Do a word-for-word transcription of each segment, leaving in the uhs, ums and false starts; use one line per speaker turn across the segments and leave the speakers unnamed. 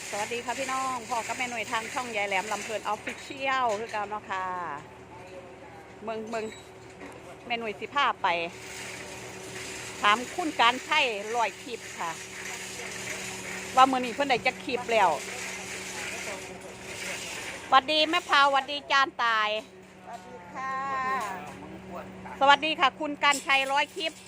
สวัสดีค่ะพี่น้องพ่อกับแม่หน่วยทางช่องยายแหลมลำเพลินออฟฟิเชียลคือกันเนาะค่ะเมืองเมืองแม่หน่วยสิพาไปถามคุณการใช้ลอยคลิปค่ะว่ามือนี้เพื่อนได้จะคลิปแล้วสวัสดีแม่พาวสวัสดีจานตายสวัสดีค่ะสวัสดีค่ะคุณการใช้ร้อยคลิป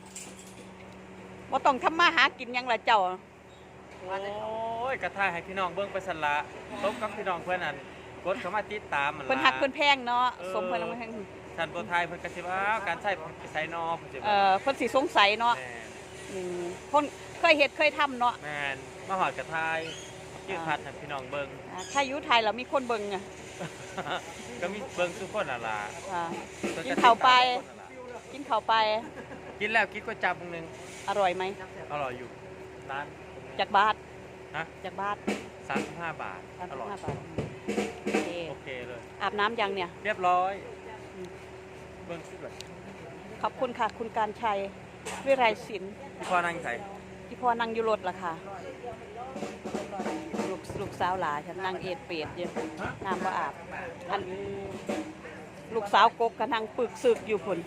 ว่าต้องทำมาหากินยังละเจ้า
โอ้ยกระทายให้พี่น้องเบิ้งไปสละพบกับพี่น้องเพื่อนนั่นกดเข้ามาติดตามมันละ
เพิ่นหักเพิ่นแพงเนาะสมเพิ่นลงมาแพง
ท่านโปรไทยเพิ่นกระชิบว่าการใช้ไปใช้นอเพิ่นสิ
เอ่อเพิ่นสิสงสัยเนาะ
แม่น
อืมคนเคยเฮ็ดเคยทำเนาะ
แม่นมาหอดกระทายยืดพัดให้พี่น้องเบิ้ง
อ่าถ้าอยู่ไทยเรามีคนเบิ่งอ่ะ
ก็มีเบิ้งทุกคนน่ะล่ะ
อ่า
เพิ่
กิน
ติดตม
ข้าวไป
ทุกคนน่ะล่ะ
กินข้าวไป
กินแล้วกินก๋วยจั๊บนึง
อร่อยไหม
อร่อยอยู่ร้าน
จากบาท
ฮะ
จากบาท
สามสิบห้าบาท
สาม
อ
สิบ
ร่อย
ห้าบาทโอเค
โอเคเลย
อาบน้ำยังเนี่ย
เรียบร้อยเบิ้งสุดเลย
ขอบคุณค่ะ คุณการชัยวิไรศิลป์
พี่พ่อนั่งใส่
ที่พ่อนั่งอยู่รถล่ะค่ะลูกลูกสาวหลาฉันนั่งเอ็ดเปียดอยู่น้ำว่าอาบอันลูกสาวกกก็นั่งปึกซึกอยู่พุ่น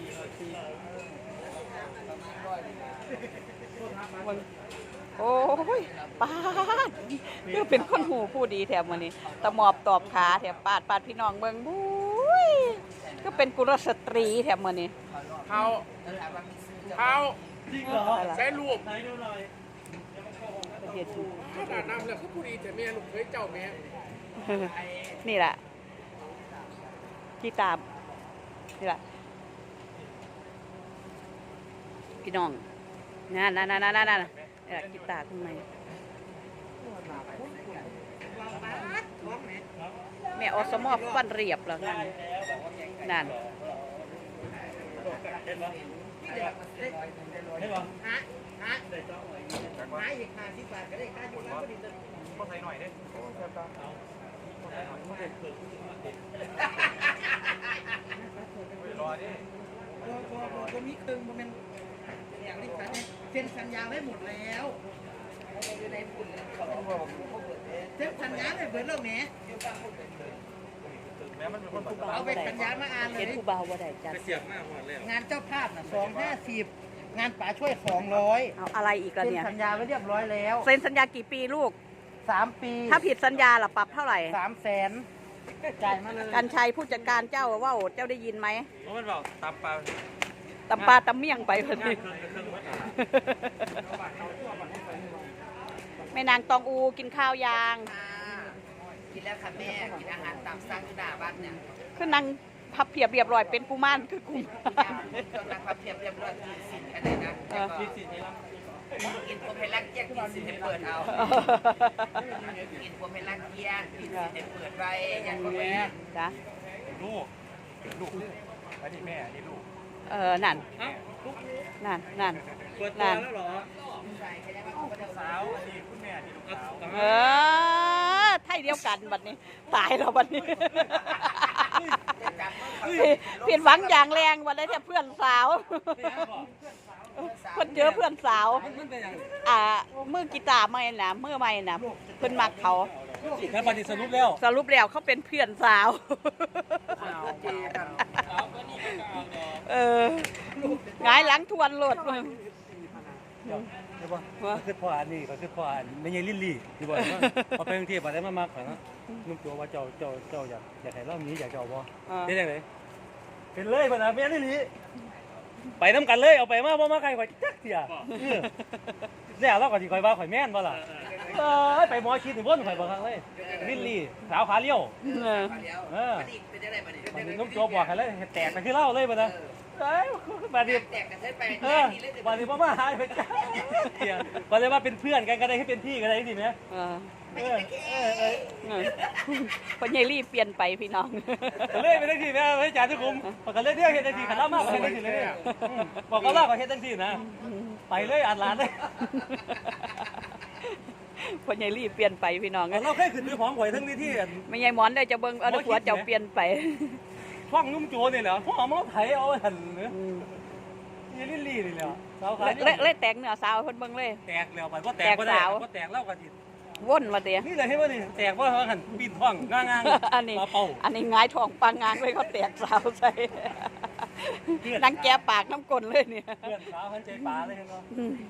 โอ้ยปาดคือเป็นคนหูผู้ดีแถมวันนี้ตะหมอบตอบขาแถมปาดปาดพี่น้องเมืองบุ้ยก็เป็นกุลสตรีแถมวันนี้
เขาเขาใช้รูป
เฮ็ดอยู่
ขนาดน้ำแล้วคือผู้ดีแต่แม่ลูกเคยเจ้าแม่
นี่แหละกีตาร์นี่แหละพี่น้องนั่นนั่นนั่นนั่นนั่นนี่แหละกีตาร์ทำไมแม่อสมอฟันเรียบแล้วนั่นนั่น
ฮะฮะหาอีกห้าสิบบาทก็ได้ค่าอยู่ร้านก็ดีแต่
พ่อใส่หน่อยเด้รอดิ
พอพอพอจะมีครึ่งมันเป็นอย่างนี้สัญญาเซ็นสัญญาไว้หมดแล้วเซ็นสัญญาเลยเบิดเรื่องนี้
แม้มันเป็นคน
เอาไปสัญญามาอ่านเล
เห็
ย
นผู้เบาว่าได้จัด
ไปเสียบมากหมดเลย
งานเจ้าภาพน่ะสองห้าสิบงานป๋าช่วยสองร้อย
เอาอะไรอีกอะ
เซ็น
เนี่ย
สัญญาไว้เรียบร้อยแล้ว
เซ็นสัญญากี่ปีลูก
สามปี
ถ้าผิดสัญญาล่ะปรับเท่าไหร่
สามแสนจ่ายมาเลย
กันชัยผู้จัดการเจ้าว่าเจ้าได้ยินไหม
เพราะมันบอกตับปลา
ตำปลาตำเมี่ยงไปพอดี
เครื่องเครื่องวัด
แม่นางตองอูกินข้าวยาง
กินแล้วค่ะแม่ กินอาหารตามสั่งที่หน้าบ้านเนี่ย
คือนางพับเพียบเรียบร้อยเป็นกุมารคือกุมาร
จนนักความเพียบเรียบร้อยกินสินอะไรนะแล้วก็กินพวกเพลักเกี้ยงกินสินให้เปิดเอา กินพวกเพลักเกี้ยงกินสินให้เปิดไว้อย่างนี้
จ้ะ
ลูกลูกอันนี้แม่อันนี้ลูก
เออนั่นนั่นนั่น
เปิดตัวแล้วเหรอสาวอันนี้คุณแม่อันนี้ลูกสาว
เออไทยเดียวกันบัดนี้ ตายแล้วบัดนี้เปลี่ยนหวังอย่างแรงวันนี้เนี่ยเพื่อนสาวเพื่อนเจอเพื่อนสาวอ่ามือกีตาร์ไม่นะมือไม่นะเพื่อนมักเขา
แล้วบัดนี้สรุปแล้ว
สรุปแล้วเขาเป็นเพื่อนสาว เออหงายหลังทวนโหลดมึง
ใช่ป่ะก็คือพ่ออันนี้ก็คือพ่ออันไม่ใช่ลิลลี่ที่บอกว่าพอไปกรุงเทพมาได้มามากกว่านะนุ่มตัวว่าเจ้าเจ้าเจ้าอยากอยากให้รอบนี้อยากเจ้าบ่เป็นยังไงเป็นเลยป่ะนะแม่ลิลลี่ไปน้ำกันเลยเอาไปมาบ่มาใครข่อยจักเสียเนี่ยเราก็สิข่อยว่าข่อยแม่นบ่ล่ะเอ้ยไปหมอชิดถึงบ่นข่อยบ่ครั้งเลยลิลลี่สาวขาเลี้ยว
เออ
เออ
เป็นยังไงบ้าง
มันนุ่มตัวบอกให้เลยแตกไปคือเล่าเลยป่ะนะเอ้ยบัดนี้
แตกกันใช้ไป
เออวันนี้พ่อมาหายไปจ้าเดี๋ยววันนี้ว่าเป็นเพื่อนกันก็ได้ให้เป็นพี่กันได้จริงไหม
เออ
เออเออเออ
เออพญายรีเปลี่ยนไปพี่น้อง
เล่นไปทั้งทีแม่ไม่จ่ายทุกคุมบอกกันเล่นเรื่องเฮ็ดทั้งทีขันล่ามากเฮ็ดทั้งทีเลยบอกกันล่าก็เฮ็ดทั้งทีนะไปเลยอัดหลานเลย
พญายรีเปลี่ยนไปพี่น้อง
เราแค่ขึ้นไปพร้อมหวยทั้งนี้ที่
ไม่ใช่หมอนได้จะเบิ่งเอาหัวเจ้าเปลี่ยนไป
ช่องนุ่มโจนี่แหละพ่อมาไถเอาหันเนื้อยี่ลี่ลี่นี่แหละสาวขา
เละเละแตกเนื้อสาวเพิ่นเบิ่งเลย
แตกแล้วไปก็แตกก็ได้ก็แตกแล้วก็จิต
ว่นมาเดีย
นี่เลยให้ว่านี่แตกว่าเขาหันปีนท้องง่างๆ
อันนี้
ปลาเป่า
อันนี้หงายทองปางงางเลยเขาแตกสาวใส่นังแกปากน้ำกลนเลยเนี่ย
เพื่อนสาวหันใจปลาเลยเห็นบ่
อืม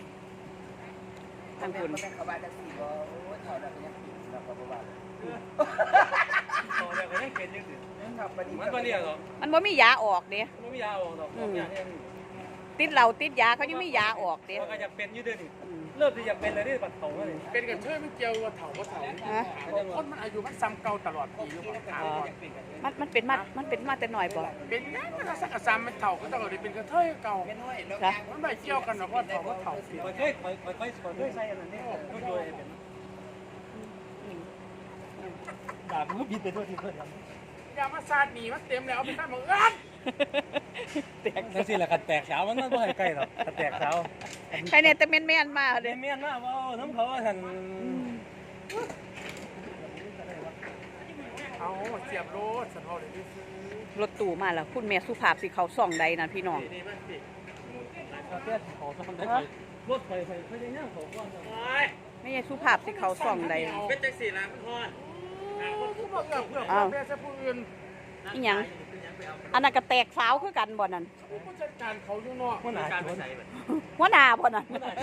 ทางคุณเป็นขบวนสีบ่เท่านั้นยังผิดเราก็บ่ว่า
โตแล้วก็ยังเป็นอยู่สิ
ครับบัดนี้
มันบ่เรียกหรอก
มันบ่มียาออกเด้
มันไม่มียาออกหรอกยาเนี่ย
ติดเหล้าติดยาเขายังมียาออกเด้
มันก็จะเป็นอยู่เด้อนี่เริ่มที่จะเป็นเลยนี่บัดเฒ่าเลย
เป็นกันเชื่อไม่เกี่ยวว่าเถาว่าเถา
ฮะ
คนมันอายุมันซ้ำเก่าตลอดปีอยู่บ่ถามก่อน
มันมันเป็นมามันเป็นมาแต่หน่อยบ่
เป็นยังมันสักซ้ำมันเถาก็ต้องได้เป็นกระเทยเก่า
เป็นน้อยแล้ว
จ้ะ
มันไม่เกี่ยวกันหรอกว่าเถาว่าเถาเปลี่ยน
ค่อยๆค่อยๆค่อยๆค่อยๆใส่อันนั้นนี่ก็โยนเป็นดาบมือบิดไปทั่วที่เพิ่นทำ
ยามาซาดหนีมันเต็มแล้วเอาไปตั้งมืออัน
แตก
นั่นสิแหละกันแตกเช้ามันมันบ่ให้ใกล้หรอกกันแตกเช้า
ใครเนี่ยแต่แม่นๆมา
เด
เด้
เมียนมาว่าน้ำเขาหัน
เอาเสียบโลดสันพอเลยที่ซื้อ
รถตู้มาแล้วคุณแม่สุภาพสิเขาส่องใดนั่นพี่น้อง
นี่มันสิเขาเตี้ยเขาทำได้รถไฟไฟไฟยังยังเขาก่อน
ไม่ใช่สุภาพสิเขาส่องใด
เป็นจังสี่ล้านพอน
คือบอกเพื่อเพื่อ
อ้าว
เพื่อจะผู้อื่น
อีหยังอันนั้นก็แตกสาวคือกันบ่นั่น
ผู้จัดการเขาอยู่นอก
มันหนา
การ
จ
ไป
น
ใส่แบบ
หัวหน้าบ่นั่น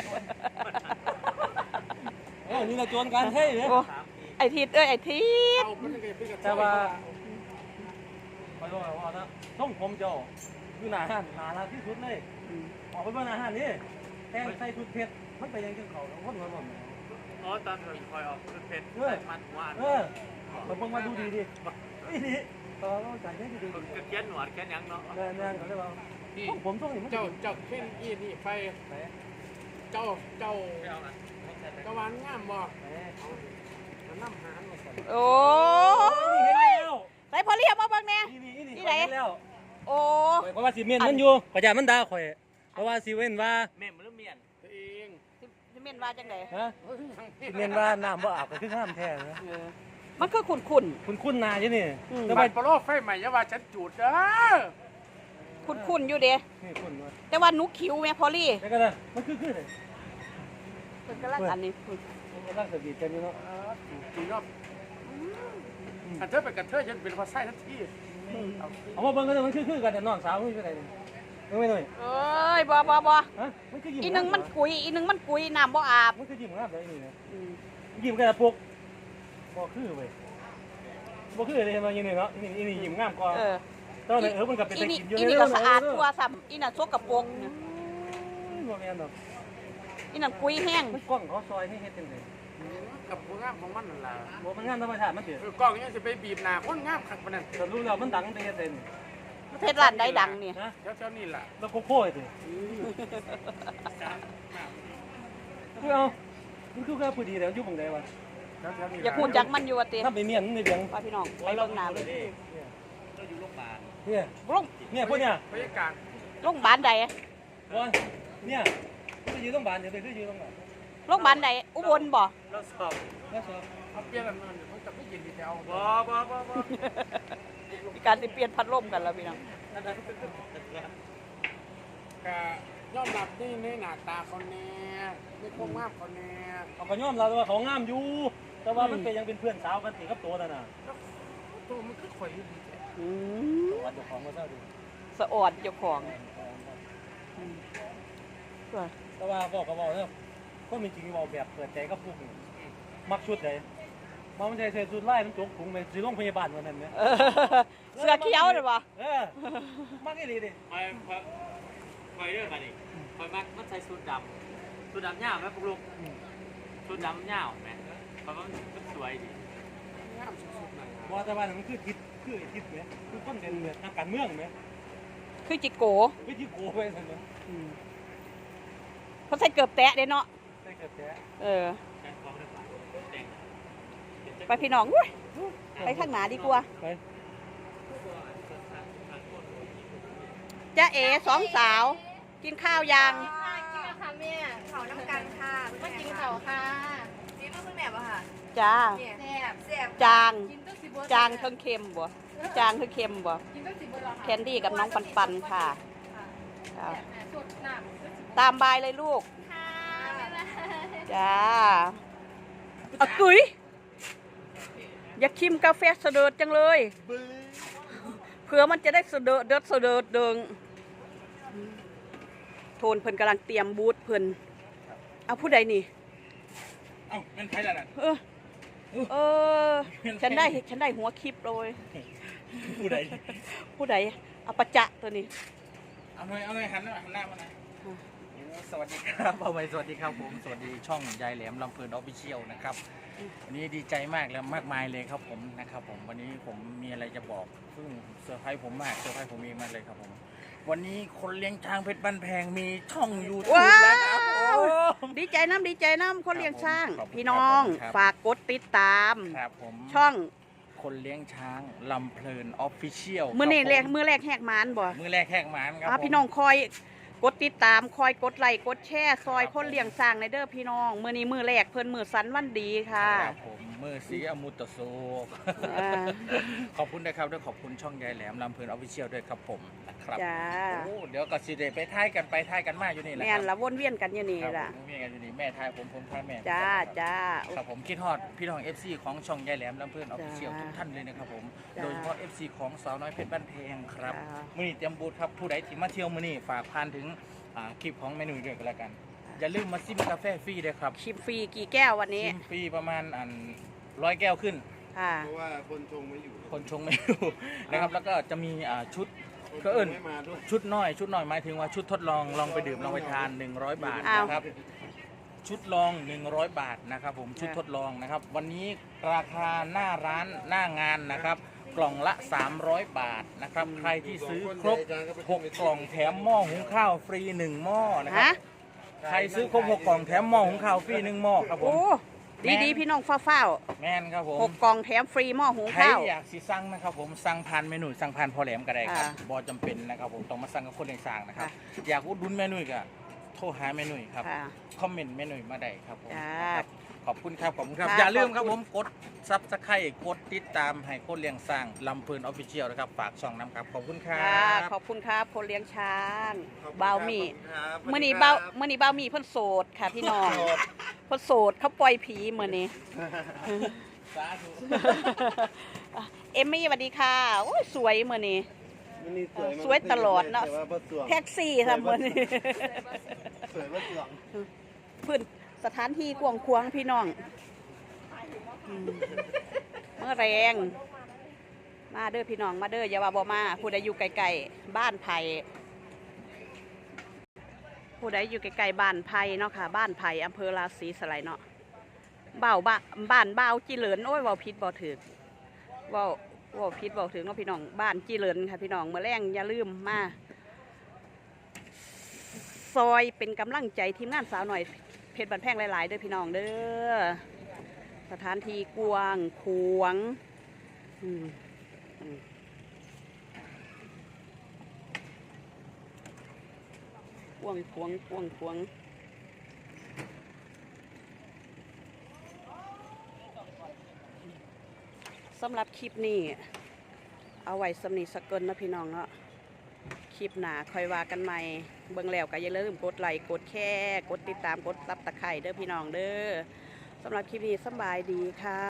เออนี่เราจวนกันเฮ้ยเนี่ย
โอ้ไอ้ทิดเอ้ยไอ้ทิด
เอาเป็นกันเป็นกัน
แต่ว่าไปว่าว่านะต้องผมเจ้าคือหนาหันหนาลาที่สุดเลยออกไปว่าหนาหันนี่แทงใส่ชุดเพชรมันไปยังจังเขาแล้วคนมันบ่
อ๋อตอนคอยออกคือเพชรมัดหัว
เออมันเพิ่งมาดูดีดินี่ดิตอนเราจ่ายให้ดีดี
คือเขียนหนวดแค่ยังเนาะ
แน่แน่เขาเรียกว่าผมต้องเห็นมัน
เจ้าเจ้าเข่นอีนี่ไปเจ้าเจ้า
ไม่เอาอ่ะ
เจ้าวานงามบ่มันน้ำหามาสั่น
โอ้
เห็นแล้ว
ใส่พอเรียบมาเบิ่งแน่
นี่นี่นี่เห็นแล้ว
โอ้
เพราะว่าสีเมียนมันอยู่กระจามันด่าข่อยเพราะว่าสีเว้นว่า
เม่มหรือเมียน
ตัวเอง
สิเม่นว่าจังได๋
ฮะสีเมียนว่าน้ำบ่อาบก็คือห้ามแท้นะ
เออมันคือขุ่น
คุณคุณนาใช่นี่
แต่บัดปลอกไฟใหม่ยาว่าฉันจูดเด้อ
ๆขุ่นๆอยู่เด้
นี่คุณว่า
แต่ว่าหนูคิวแม่พอลี่
แล้วก็นะมันคือคือเลย
เพิ่นกำลังอันนี้
มันร่างสบีกันอยู่เนาะ
จีรอบอันเธอเป็นกันเธอฉันเป็นภาษาทันที
เอามาเบิ่งกันมันคือคือกันแต่น้องสาวมันอยู่ไหนมึงไม่หน่อย
เอ้ยบ่บ่บ่
ฮะมันคือยิ้ม
อีหนึงมันกุยอีหนึงมันกุยน้ำบ่อาบ
มันคือยิ้มงามเลยนี่นะ
อืม
ยิ้มกันละปุกบ่คือเว้ยบ่คือเลยมาอย่างนี้เนาะนี่นี่ยิ้มงามกว่า
เออ
ตอนนี้เออมันก็เป็น
อี
แต่
นี่
กินอยู่
อีนี่ก็สะอาดตัวซ้ำอีน่ะสกปรกเนี่ย
บ่แม่นดอก
อีนั่นกุยแห้ง
มันกล้องเขาซอยให้เฮ็ดจังได๋
กับผู้งามของมันนั่นล่ะ
บ่มันงานธรรมชาติมันสิ
คือกล้องยังจะไปบีบหน้าคนงามขักปานนั้น
แต่รู้แล้วมันดังไปเฮ็ดเด่น
ประเทศร้านใดดังเนี่ย
นะ
แถวๆนี่ล่ะ
แล้วโคโค่สิคือเอามันคือแค่พอดีแล้วอยู่บังใดวะ
แถวๆนี่
อย่าพูดจักมันอยู่ว่าติ
ถ้าไปเมียนในเบียง
ว่าพี่น้องไปเบิ่งหน้าเลย
เราอยู่โรงพยาบาล
เนี่ย
ลง
เนี่ยพวกเนี่ย
บรรยากาศ
โรงพยาบาลใด
ว่าเนี่ยคืออยู่โรงพยาบาลเดี๋ยวไปคืออยู่โรงพยาบาล
โรงพยาบาลใดอุบลบ่
เราสอบ
แล้วสอบ
เขาเปลี่ยนกันมันเขาจะไม่ยินดีแล้ว
บ่บ่บ่บ่
มีการสิเปลี่ยนพัดลมกันแล้วพี่น้อง
กะยอมรับนี่ในหน้าตาเขาแน่ในความงามเขาแน่
เขาก็ยอมรับว่าเขางามอยู่ แต่ว่ามันเป็นยังเป็นเพื่อนสาวกันติกับตัวนั่นน่ะ
ตัวมันคือข่อยอยู่ดีแท้
อืม
วัดเจ้าของมาเศร้าดิ
สะออดเจ้าของอืมก็
แต่ว่าบอกก็บอกเนาะก็มีจริงบอกแบบเปิดใจกับพวกนี้มักชุดไหนมามันใจใส่ชุดไล่มันจกถุงไปสิโรงพยาบาลวันนั้นเนี่ย
เออเสื้อเขียวเลยบ่
เออมักอีหลีดิ
คอยคอยคอยเรื่องมาดิคอยมัดมันใส่สูทดำสูทดำยาวไหมพวกลูกสูทดำยาวไหมเพราะว่ามันสวยดี
งามสุดๆเลย
บอกแต่ว่ามันคือทิศคือไอ้ทิศไหมคือต้นเป็นแบบทางการเมืองไหม
คือจิโก
วิธีโกไปสั่นเนาะ
อืมเขาใส่เกือบแตะเด้เนาะ
ใส่กระแส
เออ
แค่ความได้แต่ง
ไปพี่น้องอุ้ยไปข้างหน้าดีกว่า
ไป
จ้าเอสองสาว กินข้าวยัง
ค่ะกินแล้วค่ะแม่เขาน้ำกันค่ะมากินเขาค่ะนี่ลูกเพิ่งแหนบอะค่ะ
จ้า
เนี่ยแซ่บแซ่บ
จาง
กินตั้งสิบ
จางเทิงเค็มบ่จางเทิงเค็มบ่
กินตั้งสิบเหรอ
แคนดี้กับน้องปันปันค่ะ
ค่ะ
ครับ
สดน้ำ
ตามบายเลยลูก
ค่ะบ๊ายบาย
จ้าอะกุยอยากชิมกาแฟเสดิร์ดจังเลยเผื่อมันจะได้เสดิร์ดเดิดเสดิร์ดเดิงโทนเพิ่นกำลังเตรียมบูธเพิ่นเอาผู้ใดนี่
เอ้าเป็นไผล่ะน่ะ
เออเออฉันได้ฉันได้หัวคลิปเลย
ผู้ใด
ผู้ใดเอาประจะตัวนี้
เอาหน่อยเอาหน่อยหันหน้าหันหน้ามาหน่อย
สวัสดีครับเอาไว้สวัสดีครับผมสวัสดีช่องยายแหลมลำเพลินออฟฟิเชียลนะครับวันนี้ดีใจมากและมากมายเลยครับผมนะครับผมวันนี้ผมมีอะไรจะบอกซึ่งเซอร์ไพรส์ผมมากเซอร์ไพรส์ผมเองมากเลยครับผมวันนี้คนเลี้ยงช้างเพชรบ้านแพงมีช่องยูทูบ
ว้า
แล้วครับ
ว
ผม
ดีใจน้ำดีใจน้ำคนเลี้ยงช้าง
ขอบคุณ
พี่น้อง
ครับ
ฝากกดติดตาม
ครับผม
ช่อง
คนเลี้ยงช้างลำเพลินออฟฟิเชียล
มือนี่แรก
มื
มือแรกแหกหมานบ่
มือแรกแหกหมานครับ
อ่ะ
ผม
พี่น้องคอยกดติดตามคอยกดไลค์กดแชร์ซอยคนเลี้ยงช้างในเด้อพี่น้องมือนี้มือแรกเพิ่นมือสันวันดีค่ะ
ครับผมมือสีอมุตโซ
อ่า
ขอบคุณนะครับด้วยขอบคุณช่องยายแหลมลำเพลินออฟฟิเชียลด้วยครับผมนะครับ
จ้า
โอ้เดี๋ยวก็สิเดไปท่ายกันไปท่ายกันมาอยู่นี่แหละ
แม่นละวนเวียนกันอยู่นี่
ครับ
ล่ะ
ผมมีกันอยู่นี่แม่ท่ายผมผมท่ายแม่
จ้า
ครับ
จ้า
ครับผมคิดฮอดพี่น้อง เอฟ ซี ของช่องยายแหลมลำเพลินออฟฟิเชียล
จ้า
ทุกท่านเลยนะครับผม
จ้า
โดยเฉพาะ เอฟ ซี ของสาวน้อยเพชรบ้านเพงครับ
จ้า
มื้อนี้เตรียมบูธครับผู้ใดที่มาเที่ยวมื้อนี้ฝากผ่านถึงอ่าคลิปของเมนูด้วยกันแล้วกัน อย่าลืมมาซิมกาแฟฟรีด้วยครับ
ชิมฟรีกี่แก้ววันนี้
ชิมฟรีประมาณอันร้อยแก้วขึ้น
ค่ะ
เพราะว่าคนชงไม่อยู่
คนชงไม่รู้ นะครับแล้วก็จะมีอ่าชุด
คน
ก็เอิ้น
ชงไม่มาด้วย
ชุดน้อยชุดน้อยหมายถึงว่าชุดทดลองลองไปดื่มลองไปทานหนึ่งร้อยบาท
อ้าว
นะครับชุดลองหนึ่งร้อยบาทนะครับผมชุดทดลองนะครับวันนี้ราคาหน้าร้านหน้างานนะครับกล่องละสามร้อยบาทนะครับใครที่ซื้อครบหกกล่องแถมหม้อหุงข้าวฟรีหนึ่งหม้อนะครับ
ฮะ
ใครซื้อครบหกกล่องแถมหม้อหุงข้าวฟรีหนึ่งหม้อครับผ
โอ้
ม
ดีดีๆพี่น้องฟ้าว
แม่นครับผ
ๆ
ม
หกกล่องแถมฟรีหม้อหุง
ใคร
ข้าว
อยากสิสั่งนะครับผมสั่งผ่านเมนูสั่งผ่านพอแหลมก็ได้ครับ
อ่า
บอจำเป็นนะครับผมต้องมาสั่งกับคนเลี้ยงสร้างนะครับ
ค่ะ
อยากอุดหนุนเมนูก็โทรหาเมนูครับ
ค่ะ
คอมเมนต์เมนูมาได้ครับผม
จ้า
ครับขอบคุณครับขอบคุณครับ
ค่ะ
อย่าลืมครับ
ขอบ
ผ
คุณ
มกดซับสไครต์กดติดตามให้คนเลี้ยงสร้างลำเพลินออฟฟิเชียลนะครับฝากช่องน้ำครับขอบคุณครั
ค่ะ
บ
ขอบคุณครับคนเลี้ยงช้าง
ขอบคุณ
เบา
ครับ
หมี
ขอบคุณครับ
เมื่อนี้
สวั
เบา
สดีครับ
เมื่อนี้เบาหมีเพิ่นโสดค่ะพี่น้องเพิ่นโสดเขาปล่อยผีเมื่อนี้
สาธุ
เอมมี่สวัสดีค่ะโอ้ยสวยเมื่อนี้
วันนี้สวยมาก
สวยตลอดเนอะ
แต่ว่าบ่สวง
แท็กซี่ทำเมื่อนี้
สวยบ่สวง
พื้นสถานที่กวางควางพี่น้องอืมเมื่อแรงมาเด้อพี่น้องมาเด้ออย่าว่าบ่มาผู้ใดอยู่ไกลๆบ้านไผ่ผู้ใดอยู่ไกลๆบ้านไผ่เนาะค่ะบ้านไผ่อำเภอราศีสไลยเนาะบ่าวบ้าบ้านบ่าวจีเหลินโอ้ยเว้าผิดบ่ถึกเว้าเว้าผิดเว้าถึงเนาะพี่น้องบ้านจีเหลินค่ะพี่น้องเมื่อแรงอย่าลืมมาซอยเป็นกำลังใจทีมงานสาวหน่อยเพชรบันแพงหลายๆเด้อพี่น้องเด้อสถานที่กว้างขวางอืมอืมกว้างขวางกว้างขวางสำหรับคลิปนี้เอาไว้สำนีสกเกินนะพี่น้องเนาะคลิปหนาคอยว่ากันใหม่เบิ่งแล้วก็อย่าลืมกดไลค์กดแชร์กดติดตามกดซับตะไคร่เด้อพี่น้องเด้อสำหรับคลิปนี้สำบายดีค่ะ